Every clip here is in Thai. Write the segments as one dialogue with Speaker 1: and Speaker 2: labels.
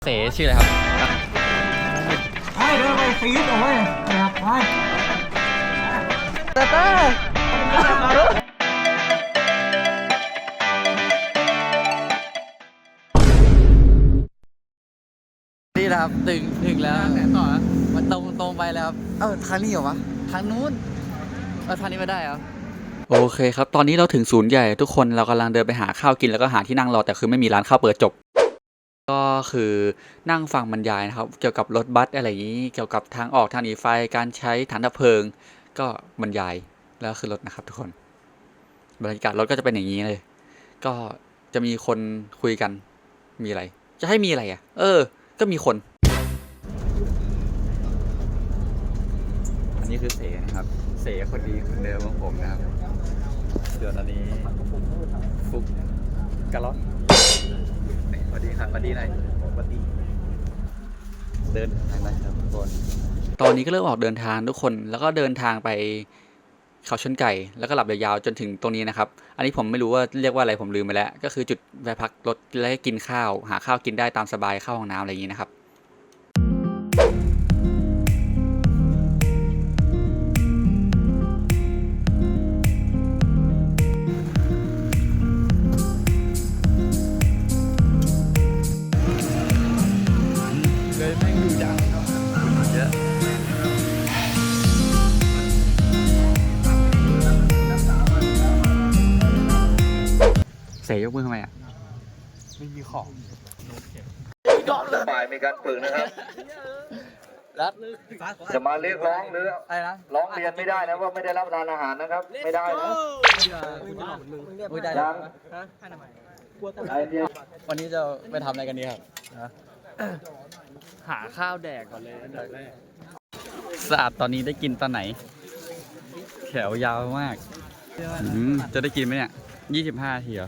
Speaker 1: เสชื่ออะไรครับ
Speaker 2: ให้เดินไปฟีดเอาไว้นะครับไป
Speaker 1: นี่นะครับถึงแล้วไหนต่อมันตรงไปแล้วครับทางนี้เหรอวะทางนู้นทางนี้ไม่ได้เหรอโอเคครับตอนนี้เราถึงศูนย์ใหญ่ทุกคนเรากำลังเดินไปหาข้าวกินแล้วก็หาที่นั่งรอแต่คือไม่มีร้านข้าวเปิดจบก็คือนั่งฟังบรรยายนะครับเกี่ยวกับรถบัสอะไรอย่างนี้เกี่ยวกับทางออกทางหนีไฟการใช้ถังดับเพลิงก็บรรยายแล้วคือรถนะครับทุกคนบรรยากาศรถก็จะเป็นอย่างนี้เลยก็จะมีคนคุยกันมีอะไรจะให้มีอะไรอ่ะก็มีคนอันนี้คือเสนะครับเสคนดีคนเดิมของผมนะครับเดี๋ยวตอนนี้ฟุกกะล็อกสวัสดีครับสวัสดีหน่อยสวัสดีเดินทางได้ครับทุกคนตอนนี้ก็เริ่มออกเดินทางทุกคนแล้วก็เดินทางไปเขาชนไก่แล้วก็หลับยาวๆจนถึงตรงนี้นะครับอันนี้ผมไม่รู้ว่าเรียกว่าอะไรผมลืมไปแล้วก็คือจุดแวะพักรถและกินข้าวหาข้าวกินได้ตามสบายเข้าห้องน้ำอะไรอย่างนี้นะครับเลยแม่งดูดังเยอะเสยยกมือทำไมอ่ะไม่มีของ
Speaker 3: ฝ่ายมีการฝึกนะครับจะมาเรียกร้องหรือร้องเรียนไม่ได้นะว่าไม่ได้รับประทานอาหารนะครับไม่ได้นะยัง
Speaker 1: วันนี้จะไปทำอะไรกันดีครับหาข้าวแดกก่อนเลยอันดับแรกสะอาดตอนนี้ได้กินตอนไหนแถวยาวมากจะได้กินไหมเนี่ย25 ทีเหรอ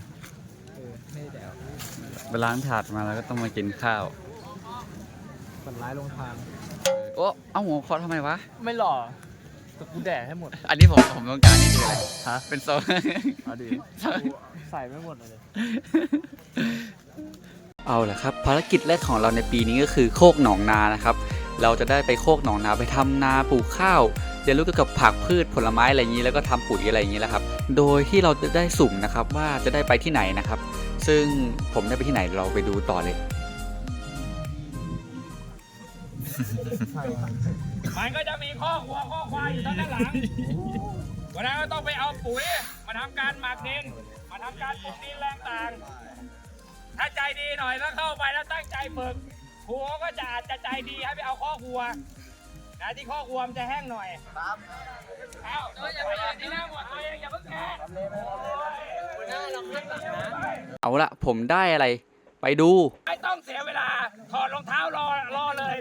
Speaker 1: ไปล้างถาดมาแล้วก็ต้องมากินข้าว
Speaker 2: ฝันร้ายลงทาง
Speaker 1: เอาหัวคอทำไมวะ
Speaker 2: ไม่หล่อแต่กูแดกให้หมด
Speaker 1: อันนี้ผมต้องการนี่คืออะไรฮะเป็นโซน
Speaker 2: ดีใส่ไม่หมดเลย
Speaker 1: เอาล่ะครับภารกิจแรกของเราในปีนี้ก็คือโคกหนองนานะครับเราจะได้ไปโคกหนองนาไปทำนาปลูกข้าวเรียนรู้เกี่ยวกับผักพืชผลไม้อะไรอย่างนี้แล้วก็ทำปุ๋ยอะไรอย่างนี้แหละครับโดยที่เราจะได้สุ่มนะครับว่าจะได้ไปที่ไหนนะครับซึ่งผมได้ไปที่ไหนเราไปดูต่อเลย
Speaker 4: มันก็จะมีข้อวัวข้อควายอยู่ด้านหลังวันนั้นก็ต้องไปเอาปุ๋ยมาทำการหมักดินมาทำการปลูกดินแรงต่างถ้าใจดีหน่อยแล้วเข้าไปแล้วตั้งใจฝึกครูก็จะอาจจะใจดีให้ไปเอาข้อวัวนะที่ข้อวัวมันจะแห้งหน่อยครับเอาอย่าไปที่หน้าหมดตัวเองอย่าเพิ่งแก่
Speaker 1: เอาละผมได้อะไรไปดู
Speaker 4: ไม่ต้องเสียเวลาถอดรองเท้ารอเลย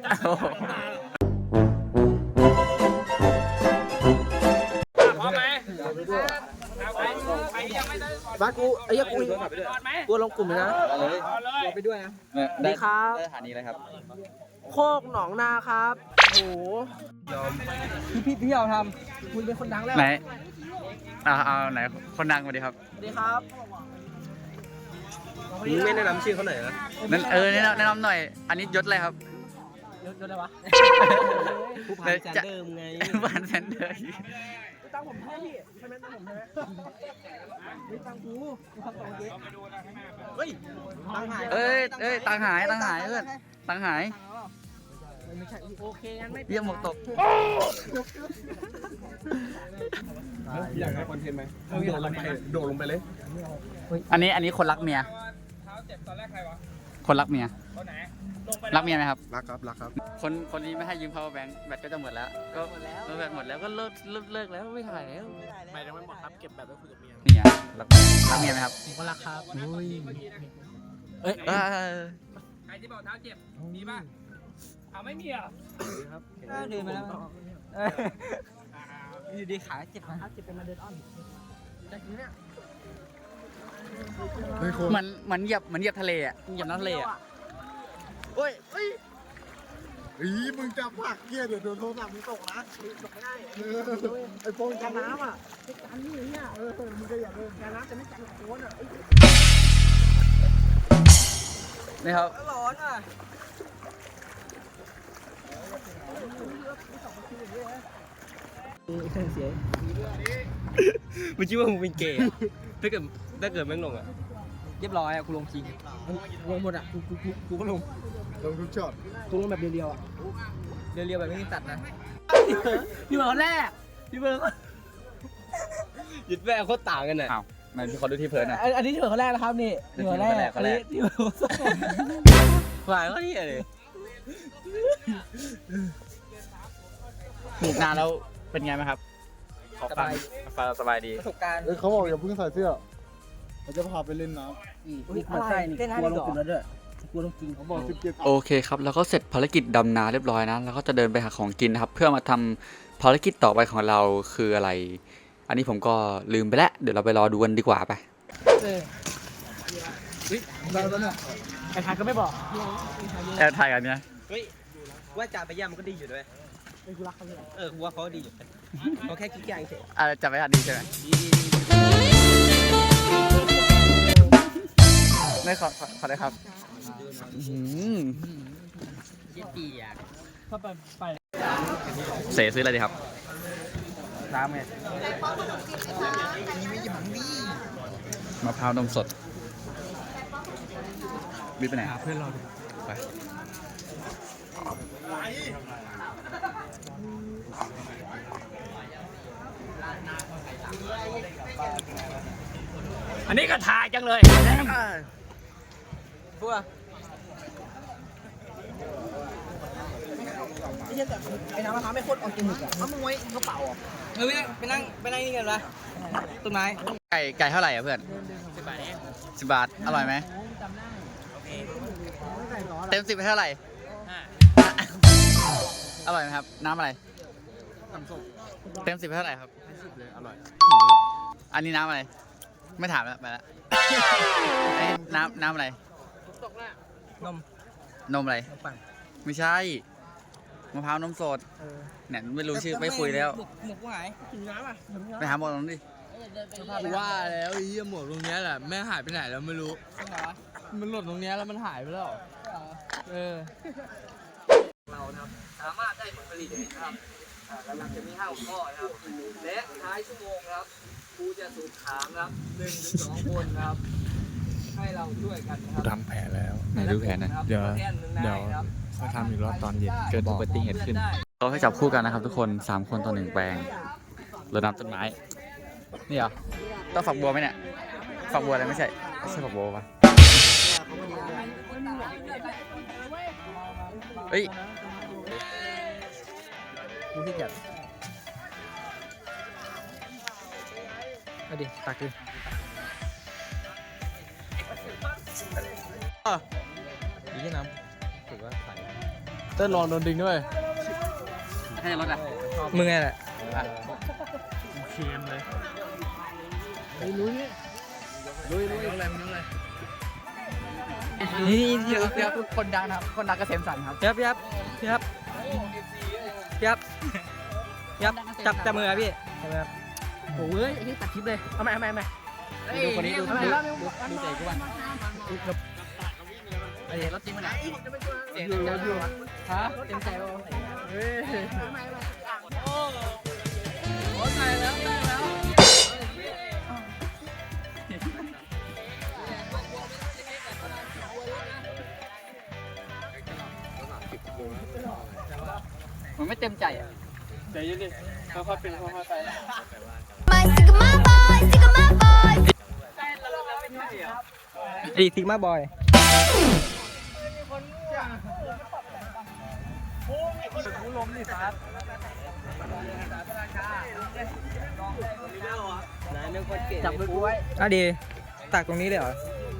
Speaker 4: พร้อมไหม
Speaker 2: บ้านกูไอ้ยักษ์กูลงกลุ่มนะไปด้วยนะ
Speaker 1: ได้ครับสถานีอะไรครับ
Speaker 2: โคกหนองนาครับโอ้โหพี่เอาทำคุณเป็นคนดังแล้ว
Speaker 1: ไหนเอาไหนคนดังมาดิครับ
Speaker 2: สวัสดีครับไม่แนะนำชื่อเขาหน่อยนะ
Speaker 1: แนะนำหน่อยอันนี้ยศอะไรครับ
Speaker 2: ยศอะไรวะผู้พันแซนเดอร์ไง
Speaker 1: ผู้พันแซนเดอร์
Speaker 2: ตั้งผมให้พี่ใช่ไหมตั้งผมใช่ไหมไม่ตั้งกูทำต่อเจ๊เฮ้ยตังหาย
Speaker 1: ตังหายเพื่อนตังหาย
Speaker 2: ไม่ใช่โอเคงั้นไม่
Speaker 1: เยี่ยมหมกตก
Speaker 2: อยากให้คอนเทนต์ไหมโดดลงไปเลย
Speaker 1: อันนี้คนรักเมียคนรักเมียรักเมียไหมครับ
Speaker 2: รักครับ
Speaker 1: คนนี้ไม่ให้ยืม power bank แบตก็จะหมดแล้วก็แบตหมดแล้วก็เลิกแล้วไม่ถ่ายแล้ว
Speaker 2: ไม่ยังไม่หมดครับเก็บแบตไว้คุยกับเมีย
Speaker 1: เนี่ยรักเมียไหมครับ
Speaker 2: ผมก็รักครับ
Speaker 4: ใครที่บอกเท้าเจ็บมีป่ะไม่มีอ่ะ
Speaker 2: ครับเดินมาแล้วอยู่ดีขาเจ็บขาเจ็บเป็นมาเดินอ้อมแต่ทีเนี้ย
Speaker 1: มันเหยียบทะเลอ่ะเหยียบน้ำทะเลอ่ะ
Speaker 2: โอ้ยมึงจับผักเกียร์เดี๋ยวโดนโทรศัพท์มึงตกนะตกไม่ได้ไอโฟนกันน้ำอ่ะกันนี่เนี่ยมึงก็อย่าเดินกันน้ำจะไม่กันโคนอ่ะ
Speaker 1: นี่ครับ
Speaker 2: ร้อนอ่ะเสียมึงคิดว่ามึงเป็นเกย์ถ้าเกิดแม่งลงอ่ะเรียบร้อยอ่ะกูลงจริงลงหมดอ่ะกูก็ลงทุกช็อตกูลงแบบเรียวๆอ่ะเรียวๆแบบไม่มีตัดนะพี่เบิร์ดแรกพี่เบิร์ดยึดแม่โคตรต่างกันอ่ะ
Speaker 1: อ้าวมันมีคนดูที่เพิร์นอ่ะ
Speaker 2: อันนี้ที่เบิร์ดคนแรกนะครับนี่ที่เบิร์ดแรกอันนี้ที่เบิร์ดฝ่ายก็ที่อะไร
Speaker 1: ถูกนานแล้วเป็นไงไหมครับขอฟังสบายดี
Speaker 2: ประสบการณ์
Speaker 5: เขาบอกอย่าเพิ่งใส่เสื้อเราจะพาไปเล่นน้ำ
Speaker 2: นี่มันใส่นี่กลัวลงคุณแล้วด้วยกลัวลงจริง
Speaker 5: เขาบอก17
Speaker 1: โอเคครับแล้วก็เสร็จภารกิจดำนาเรียบร้อยนะแล้วก็จะเดินไปหาของกินนะครับ เพื่อมาทำภารกิจต่อไปของเราคืออะไร อันนี้ผมก็ลืมไปแล้วเดี๋ยวเราไปรอดูกันดีกว่าไป
Speaker 2: เราแล้วเนี่ยไอ้ทายก็ไม่บอก
Speaker 1: แอบถ่ายกันเนี่ย
Speaker 2: เฮ้ยว่าจ่าไปย่ามันก็ดีอยู่ด้วยกูรักเขาเลยกูว่าเขาดีอยู่เขาแค่ขี้แกงเฉย
Speaker 1: จะไปถ่ายดีใช่ไหมไม่ขอได้ครับเสซื้ออะไรดีครับน้ำไงมะพร้าวนมสดบิ๊กไปไหนเพื่อนเราไป
Speaker 4: อันนี้ก็ถ่ายจังเลย
Speaker 2: พวกไอ้น้ำมะพร้าวไม่โคตรออร์แกนิกอ่ะเอามึงไว้กระเป๋าอ่ะไปนั่งนี่กันวะต้นไม้
Speaker 1: ไก่เท่าไหร่อ่ะเพื่อน10 บาทอร่อยไหมเต็ม10ให้เท่าไหร่อร่อยไหมครับน้ำอะไรเต็ม10ให้เท่าไหร่ครับเลยอร่อยอันนี้น้ำอะไรไม่ถามแล้วไปแล้วน้ำอะไรนมอะไรไม่ใช่มะพร้าวนมสดเนี่ยไม่รู้ชื่อไม่คุยแล้ว
Speaker 2: หมวกหายถึงน้ำอ่ะ
Speaker 1: ไปหาหมอตรงนี้ดิ
Speaker 6: ว่าแล้วไอ้เหี้ยหมวกตรงเนี้ยแหละแม่งหายไปไหนแล้วไม่รู้ มันหล่นตรงเนี้ยแล้วมันหายไปแล้ว
Speaker 2: เรานะครับสามารถได้ผลผลิตนะครับกำลังจะมี5 หัวข้อนะครับและท้ายชั่วโมงครับครูจะสูบถามครับ1 ถึง 2 คนครับให้เราช่วยกันนะครับ
Speaker 5: ทำแผลแล้ว
Speaker 1: ไหนดูแผนนะ
Speaker 5: เดี๋ยวมาทำอีกรอบตอนเย็น
Speaker 1: เกิดอุบัติเหตุขึ้นเราให้จับคู่กันนะครับทุกคน3 คนต่อ 1 แปลงรดน้ำต้นไม้นี่เหรอต้องฝักบัวไหมเนี่ยฝักบัวอะไรไม่ใช่ฝักบัวปะเฮ้ย
Speaker 2: กูที่จัดเอาดิตักดินี่น้ำถือว่าใส่
Speaker 6: เต้นลองโดนดึงด้วย
Speaker 1: ให้รถอ่ะ
Speaker 2: มึงไงแหละ
Speaker 6: เค็มเลย
Speaker 1: นี่เดี๋ยวคนดังนะครับคนดังเกษมสันต์ครับ
Speaker 2: จับมือครับพี่โอ้ยไอ้นี่ตัดคลิปเลยเอาใหม่
Speaker 1: ดูคนนี้ดู
Speaker 2: เอาใหม่
Speaker 1: ดูเตะกูบ้างไอ้รถจริงมันอ่ะเต็มใจวะมันไม่เต็มใจอ่ะ
Speaker 6: เดี๋ยวยืนดิค่อยๆเป็นค่อยๆไป
Speaker 2: ดีซิกมาบอยจับมือกูไว้อ่ะดีตักตรงนี้เลยเหรอ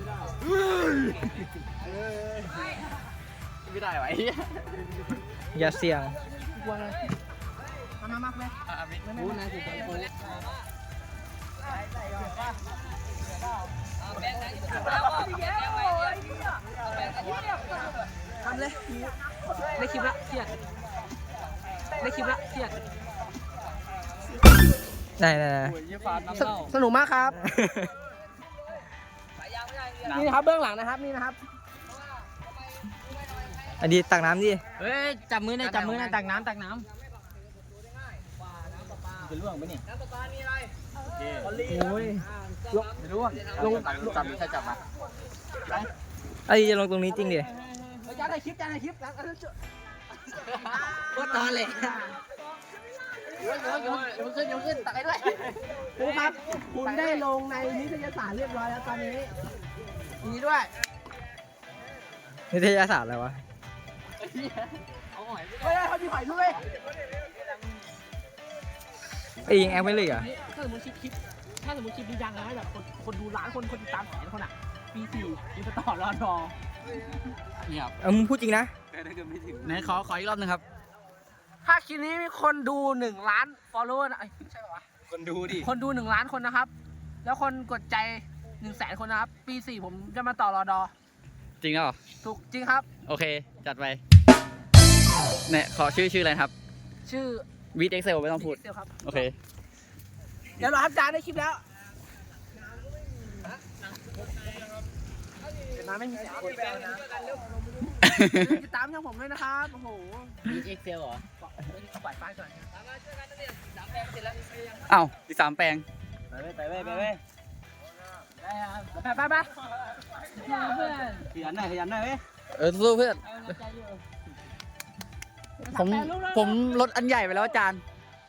Speaker 1: ไม่ได้ไหว
Speaker 2: อย่าเสี่ยง ทำเลยได้คลิปละเครียดได้สนุกมากครับ นี่นะครับเบื้องหลังนะครับนี่นะครับอันนี้ตักน้ำดิ
Speaker 6: เฮ้ย จับมือหน่อยจับมือหน่อยตักน้ำ
Speaker 2: จะล่วงปะเนี่ย
Speaker 6: โอ้ย
Speaker 2: ลงจับใช่จับมาไอ้จะลงตรงนี้จริงดิจานในคลิปก็ตอนเลยเดี๋ยวขึ้นตักให้ด้วยครูครับคุณได้ลงในนิตยสารเรียบร้อยแล้วตอนนี้นี่ด้วยนิตยสารอะไรวะไม่ได้เขามีหอยด้วยไอ้ยิงแอคไม่เลยอ่ะ
Speaker 7: ถ้าสมมติคลิปนี้ดังนะแบบคนดูล้านคนติดตามแสนคนอ่ะปี4มีสต่อรอดอ
Speaker 1: นี่ครับ
Speaker 2: มึงพูดจริงนะ
Speaker 1: ไหนขออีกรอบหนึงครับ
Speaker 7: ถ้าคลิปนี้มีคนดู1 ล้าน follower นะใช่ป่าวะ
Speaker 2: คนดูดิ
Speaker 7: คนดู1 ล้านคนนะครับ แล้วคนกดใจ100,000 คนนะครับ ปี4ผมจะมาต่อรอดอ
Speaker 1: จริงเหรอ
Speaker 7: ถูกจริงครับ
Speaker 1: โอเค จัดไปเนี่ยขอชื่ออะไรนะครับ
Speaker 7: ชื่อ
Speaker 1: วีดเอ็กเซลไม่ต้องพูด
Speaker 7: เซลครับ
Speaker 1: โอเค
Speaker 7: เดี๋ยวเราทำจานได้คลิปแล้วน้ำไม่มีเสียงคนแปลนะติดตามช่องผมด้วยนะครับโอ้โห
Speaker 6: เอ็กเซลเหรอ
Speaker 7: ปล่อยป้ายก่อน
Speaker 1: อ้าวที่3 แปลง
Speaker 2: ไปเว้ย
Speaker 7: ไปเพื่อน
Speaker 2: ขยันหน่อยเว้ย
Speaker 1: สู้เพื่อน ผมลดอันใหญ่ไปแล้วอาจารย์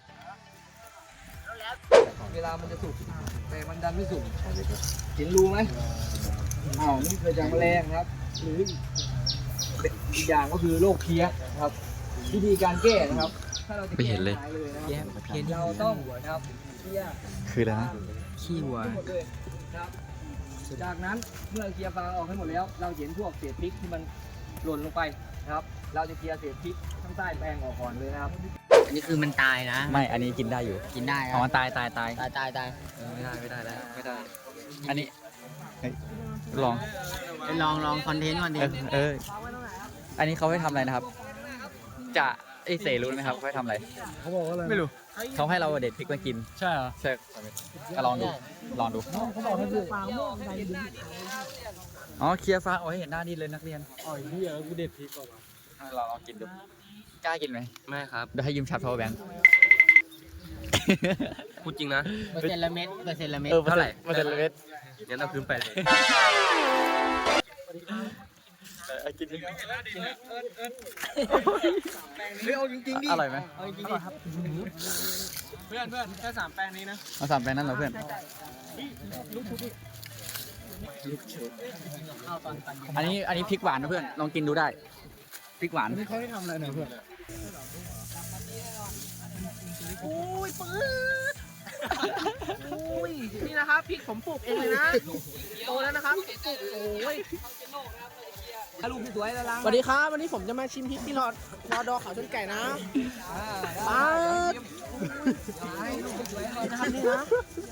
Speaker 2: เวลามันจะสุกแต่มันดันไม่สุกเห็นรูไหมนี่เกิดจากแมลงครับ หรืออีกอย่างก็คือโรคเพี้ยนะครับ วิธีการแก้นะครับ ถ้าเราจะ
Speaker 1: ไม่เห็นเลย
Speaker 2: แก้เลยนะครับเราต้องนะครับเพี้ย
Speaker 1: คืออะไรนะ
Speaker 2: ขี้วัวหมดเลยนะครับ จากนั้นเมื่อเคลียร์ฟางออกให้หมดแล้ว เราเห็นพวกเศษพริกที่มันหล่นลงไปนะครับ เราจะเคลียร์เศษพริกข้างใต้แปลงออกก่อนเลยนะครับ
Speaker 6: อันนี้คือมันตายนะ
Speaker 1: ไม่ อันนี้กินได้อยู่
Speaker 6: กินได้
Speaker 1: อ๋อตาย
Speaker 6: ตาย
Speaker 1: ไม่ได้แล้ว ไม่ได้ อันนี้เฮ้ยลอง
Speaker 6: ไปลองคอนเทนต์
Speaker 1: อันนี้เขาให้ทำอะไรนะครับ จะไอเสรู้ไหมครับเขาให้ทำอะไร
Speaker 5: เขาบอกว่าอะไร
Speaker 1: ไม่รู้ เขาให้เราเด็ดพริกมากิน
Speaker 5: ใช่เหรอ
Speaker 1: ใช่ก็ลองดู
Speaker 5: เขาบอกให้ดู
Speaker 1: อ๋อ เคลียร์ฟ้าโอ้ยเห็นหน้าดีเลยนักเรียน
Speaker 5: อ๋อเหี้ยกูเด็ดพริกก่อน
Speaker 1: เราลองกินดู กล้ากินไหม
Speaker 2: ไม่ครับ
Speaker 1: เดี๋ยวให้ยืมชาร์จ power bank
Speaker 2: พูดจริงนะ
Speaker 6: เปอร์เซ็นต์ละเม็ด
Speaker 1: เท่าไหร่เปอร์เซ็นต์ละเม็ด
Speaker 2: งั้นเอาคืนไปเลย
Speaker 1: กินดิ
Speaker 2: เอาจริงๆดิ
Speaker 1: อร่อยไหม
Speaker 2: เอาจริงๆดิเพื่อนแค่3 แปลงนี้นะ
Speaker 1: เอา3 แปลงนั้นเหรอเพื่อน อันนี้พริกหวานนะเพื่อน ลองกินดูได้ พริกหวาน
Speaker 5: นี่เขาให้ทำอะไรเนี่ยเพื่อน
Speaker 7: อุ้ยปื๊ดอุ้ยนี่นะครับพริกผมปลูกเองเลยนะโตแล้วนะครับปลูกโอ้ย
Speaker 2: ลูกสวยแล้วล่ะ
Speaker 7: สวัสดีครับวันนี้ผมจะมาชิมพริกที่รอดอเขาชนไก่นะป๊าดนะครับนี่นะ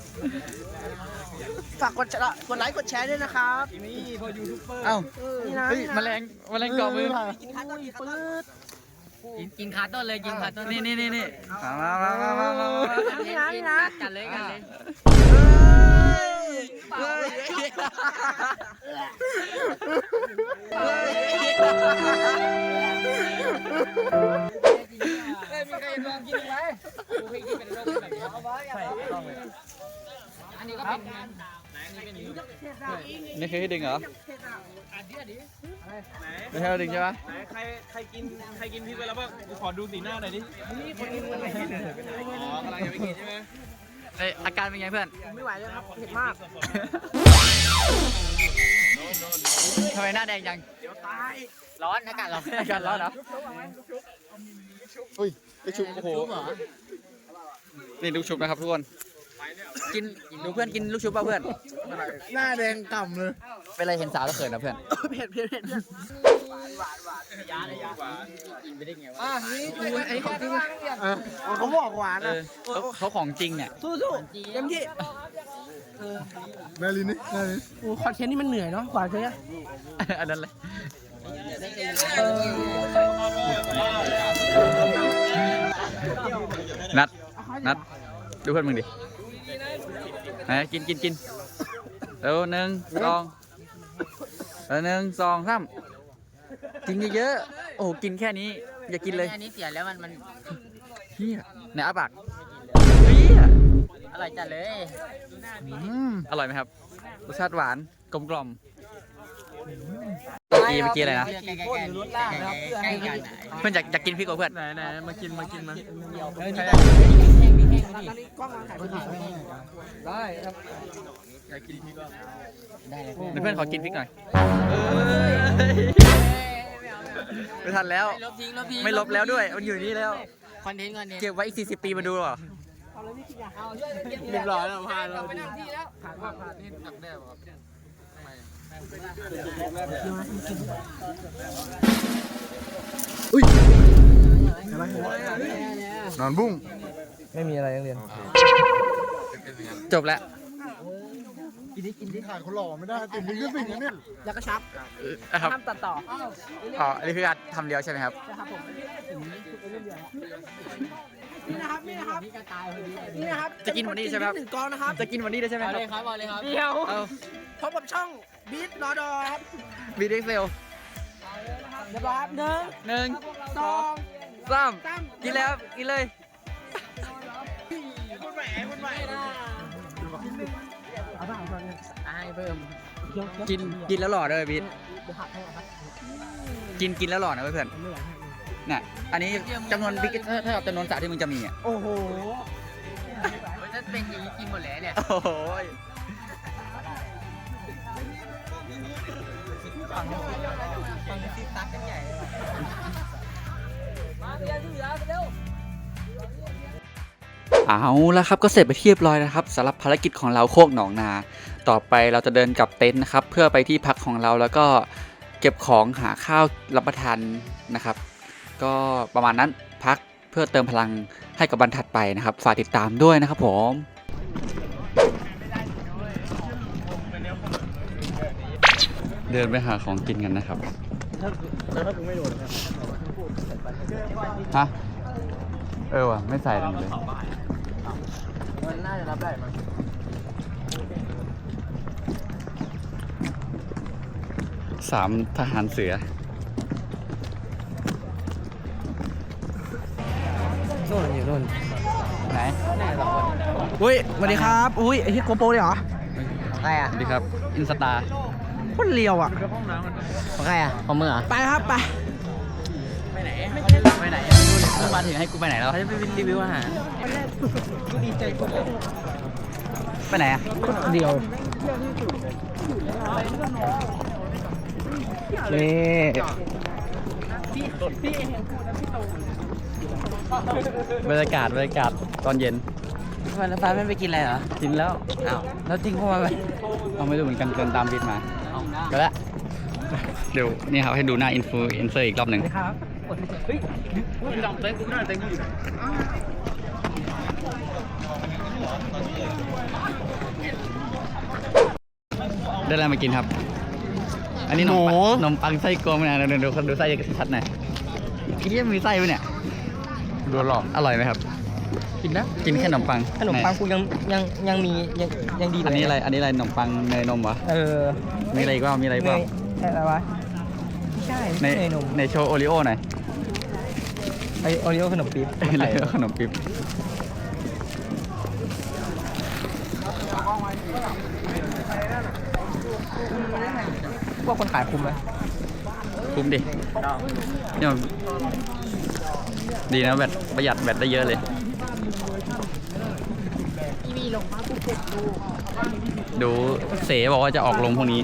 Speaker 7: ฝากกดไลค์กดแชร์ด้วยนะครับ
Speaker 2: นี่พอยูทูบเบอร์
Speaker 1: เอ้า
Speaker 7: นี่นะ
Speaker 1: เฮ้ยแมลงเกาะมือ
Speaker 7: อุ้ยปื๊ด
Speaker 6: กินขาต้นเลย กินขาต้น
Speaker 1: นี่มา
Speaker 7: นี่นะ
Speaker 6: กันเลย
Speaker 2: มีใครลองกินไหมกูเคยกินเป็นโรคแบบนี้เอาไว้อันนี้ก็เป็น
Speaker 1: นี่คือให้ดึงเหรอไม่ใช่ให้ดึงใช่ปะ
Speaker 4: ไหนใครกินพริกไปแล้วบ้างกูขอดูสีหน้าหน่อยดิอ๋อกำลังจะไปกินใช่ไหม
Speaker 1: เอ้ยอาการเป็นไงเพื่อน
Speaker 7: ไม่ไหวเลยครับเผ็ดมาก
Speaker 1: ทำไมหน้าแดงจัง
Speaker 6: ร้อน อากาศร้อน
Speaker 1: อาการร้อนเหรออุ้ยลูกชุบโอ้โหนี่ลูกชุบนะครับทุกคน กินดูเพื่อนกินลูกชุบป่ะเพื่อน
Speaker 5: หน้าแดงก่ำเลย
Speaker 1: เป็นไรเห็นสาวแล้วเขินนะเพื่อน
Speaker 7: เผ็ดเพื่อน
Speaker 2: นี่ดูไอ้ของจริง
Speaker 7: เขาบอกหวาน
Speaker 1: เอ
Speaker 7: อ่ะ
Speaker 1: อเขาของจริงเนี่ย
Speaker 7: สู้ๆเต็มที่
Speaker 5: แม่ลินนี่แม่ลิน
Speaker 7: โอ้คอนเทนต์นี่มันเหนื่อยเนาะกว่าจะเนี่ย
Speaker 1: อันนั้นเลยนัดดูเพื่อนมึงดิไหนกินเร็ว1 2 1 2 3กินเยอะๆโอ้โหกินแค่นี้ อย่ากินเลย
Speaker 8: อันนี้เสียแล้วมัน
Speaker 1: เฮียไหนอาปากเฮีย
Speaker 8: อร่อยจัดเลย
Speaker 1: อร่อยไหมครับ รสชาติหวานกลมกล่อมเมื่อกี้อะไรนะ
Speaker 8: ใกล้กัน
Speaker 1: เพื่อนอยากกินพริกกับเพื่อน
Speaker 6: ไหนมากินมา
Speaker 8: แห้งดิ
Speaker 7: กล้องวางถ่ายรูปได้ครับ
Speaker 6: อยากกินพี่ก็
Speaker 8: ได้เลย
Speaker 1: เดี๋ยวเพื่อนขอกินพริกหน่อยไม่ทันแล้ว
Speaker 8: ลบทิ้งลบทิ้ง
Speaker 1: ไม่ลบแล้วด้วย มันอยู่นี่แล้ว
Speaker 8: คอนเทนต์
Speaker 1: เก็บไว้อีก40 ปีมาดูหรอ
Speaker 6: เรียบร้อยแล้วพาเรา
Speaker 7: ไปนั่งที่แล้ว
Speaker 5: นอนบุ้ง
Speaker 2: ไม่มีอะไรนักเรียน
Speaker 1: จบแล้ว
Speaker 5: ถ่ายคนหล่อไม่ได้ติดลิขสิทธิ์นะเนี่ย
Speaker 7: แล้วก็ชับ
Speaker 1: นะครับ
Speaker 7: ห้ามตัดต่อ
Speaker 1: อ๋ออันนี้คือการทำเดียวใช่ไหมครับ
Speaker 7: นะครับผมนี่นะครับนี่นะครับนี่นะครับ
Speaker 1: จะกินวันนี้ใช่ไหมครับ
Speaker 7: 1กองนะครับ
Speaker 1: จะกินวันนี้ได้ใช่ไหม
Speaker 8: เอา
Speaker 1: ครั
Speaker 8: เลย
Speaker 1: บ
Speaker 8: ครับเอาเลยครับ
Speaker 7: เดียว
Speaker 1: เอา
Speaker 7: พบกับช่องบีทรอดอครับ
Speaker 1: วีดีเซล
Speaker 7: เรียบร้อยครับ1
Speaker 1: 1
Speaker 7: 2
Speaker 1: 2 3กินแล้วกินเลย
Speaker 8: ให้เพิ่ม
Speaker 1: กินแล้วหล่อด้วยบิ๊ดกินแล้วหล่อนะเพื่อนน่ะอันนี้จำนวนบิ๊กถ้ากับจำนวนสระที่มึงจะมีอ่ะ
Speaker 7: โอ้โห
Speaker 8: ถ้าเป็นอย่างนี้กินหมดแล้วเนี่ย
Speaker 1: โอ้โหย เอาละครับก็เสร็จไปเรียบร้อยนะครับสำหรับภารกิจของเราโคกหนองนา ต่อไปเราจะเดินกลับเต็นท์นะครับเพื่อไปที่พักของเราแล้วก็เก็บของหาข้าวรับประทานนะครับ ก็ประมาณนั้นพักเพื่อเติมพลังให้กับวันถัดไปนะครับฝากติดตามด้วยนะครับผมเดินไปหาของกินกันนะครับแล้วถ้ากูไม่โดนฮะว่ะไม่ใส่ลงเลย
Speaker 2: มันน่าจะรับได้มั้ง
Speaker 1: 3 ทหารเสือ
Speaker 2: โน่นอยู่โน่น
Speaker 1: ไหน
Speaker 7: อุ้ยสวัสดีครับอุ้ยไอ้ที่โกโปรเลยเหรอ
Speaker 8: ใครอ่ะ
Speaker 1: สวัสดีครับอินสตา
Speaker 7: โคนเลียวอ่ะ
Speaker 8: ของใครอ่ะของมึงเหรอ
Speaker 7: ไปครับไป
Speaker 1: ไปไหนมึงมาถึงให้กูไปไหนแล้ว
Speaker 8: เขาจะไปรีวิวอาหาร
Speaker 1: ไปไหนอ่ะ
Speaker 7: เดียวนี่
Speaker 1: บรรยากาศตอนเย็น
Speaker 8: วันละฟ้าไม่ไปกินอะไรเหรอ
Speaker 1: กินแล้ว
Speaker 8: อ้าวแล้วทิ้งพวกมันไป
Speaker 1: เอาไม่รู้เหมือนกันเดินตามบิดมาไปแล้วเดี๋ยวนี่ครับให้ดูหน้าอินฟลูเอนเซอร์อีกรอบหนึ่งได้อะไรมากินครับ อันนี้นมปังไส้กรวงนะเดี๋ยวดูไส้ชัดหน่อยนี่มีไส้ไหมเนี่ยดูหรออร่อยไหมครับ
Speaker 2: กินนะ
Speaker 1: กินแค่ขนมปัง
Speaker 2: ขนมปังกูยังมียังดี
Speaker 1: อันนี้อะไรขนมปังเนยนมวะ มีอะไรอีกว่ามีอะไรอีกว่า
Speaker 2: อะไรวะไม่ใช่
Speaker 1: ใน
Speaker 2: เนยนม
Speaker 1: ในโชว์โอริโอหน่อย
Speaker 2: ไอโอริโอขนมปี๊บ
Speaker 1: อะไรขนมปิ๊บ
Speaker 2: พวกคนขายคุ้มไหม
Speaker 1: คุ้มดิเนี่ยดีนะแบตประหยัดแบตได้เยอะเลยดูเสบอกว่าจะออกลงพรุ่งนี้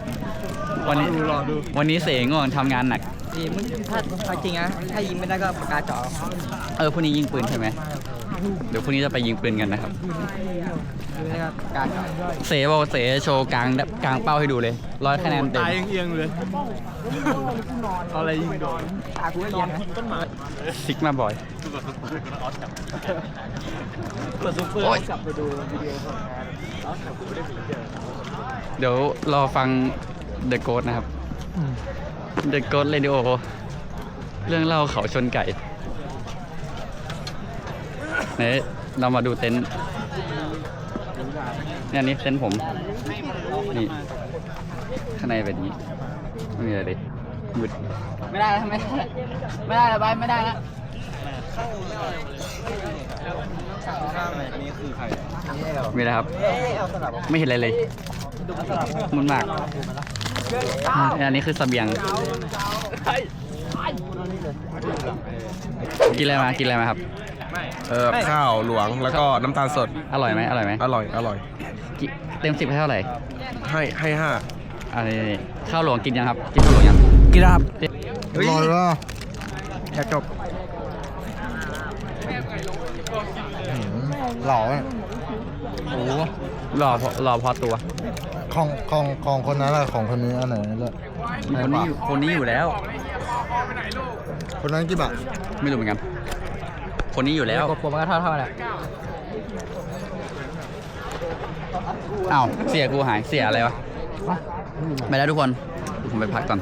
Speaker 1: วันนี้เสง่วงทำงานหนัก
Speaker 2: ดีมึงถ้าจริงนะถ้ายิงไม่ได้ก็ปากกาจ่อ
Speaker 1: พรุ่งนี้ยิงปืนใช่ไหมเดี๋ยวพรุ่งนี้จะไปยิงปืนกันนะครับ
Speaker 2: ไม่ก็ปากกาจ่อ
Speaker 1: เสบอกว่าเสโชว์กลางเป้าให้ดูเลย100 คะแนนเต็ม
Speaker 6: ตายเอียงเลยเอาอะไรยิงโดน
Speaker 2: ตากูไม่เรียนนะ
Speaker 1: ซิกมาบ่อย
Speaker 6: เปิดซุปเปอร์
Speaker 1: โอ๊ย
Speaker 6: กลับไปดูวิดีโอของ
Speaker 1: เดี๋ยวรอฟัง The Ghost นะครับ The Ghost Radio เรื่องเล่าเขาชนไก่ไหนเรามาดูเต็นท์เนี่ยนี่เต็นท์ผมนี่ข้างในแบบนี้ไม่มีอะไรเลยหมุด
Speaker 8: ไม่ได้แล้วไม่ได้แล้วไปไม่ได้แล้ว
Speaker 1: มีอะไรครับ ไม่เห็นอะไรเลยมันมากอันนี้คือเสบียงกินอะไรมาครับ
Speaker 2: ข้าวหลวงแล้วก็น้ำตาลสด
Speaker 1: อร่อยไหม
Speaker 2: อร่อย
Speaker 1: เต็ม 10ให้เท่าไหร่
Speaker 2: ให้ห้า
Speaker 1: อันนี้ข้าวหลวงกินยังครับ กินข้าวหลวงยัง
Speaker 2: กินครับ
Speaker 5: อร่อยว่ะ
Speaker 2: อยากจบ
Speaker 5: หล่ออ่ะ
Speaker 1: โอ้รอพอตัว
Speaker 5: ของคนนั้นแหละของคนนี้อันไหนเลือก
Speaker 1: คนนี้อยู่แล้ว
Speaker 5: คนนั้นกี่บาท
Speaker 1: ไม่รู้เหมือนกัน คนนี้อยู่แล้ว
Speaker 8: ผมก็เท่าแหละ
Speaker 1: อ้าวเสียกูหายเสียอะไรวะไม่ได้ทุกคนผมไปพักก่อน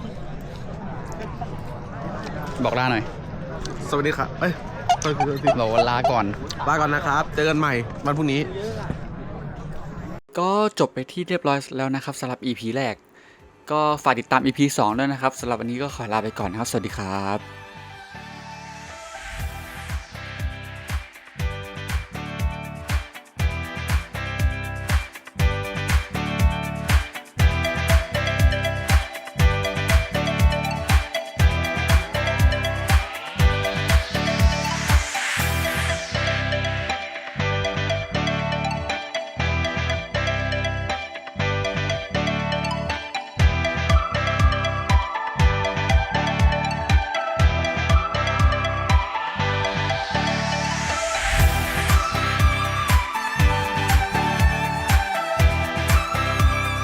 Speaker 1: บอกลาหน่อย
Speaker 2: สวัสดีครับเอ้ย
Speaker 1: บอกว่าลาก่อน
Speaker 2: ลาก่อนนะครับเจอกันใหม่วันพรุ่งนี้
Speaker 1: ก็จบไปที่เรียบร้อยแล้วนะครับสำหรับ EP แรกก็ฝากติดตาม EP 2ด้วยนะครับสำหรับวันนี้ก็ขอลาไปก่อนนะครับสวัสดีครับ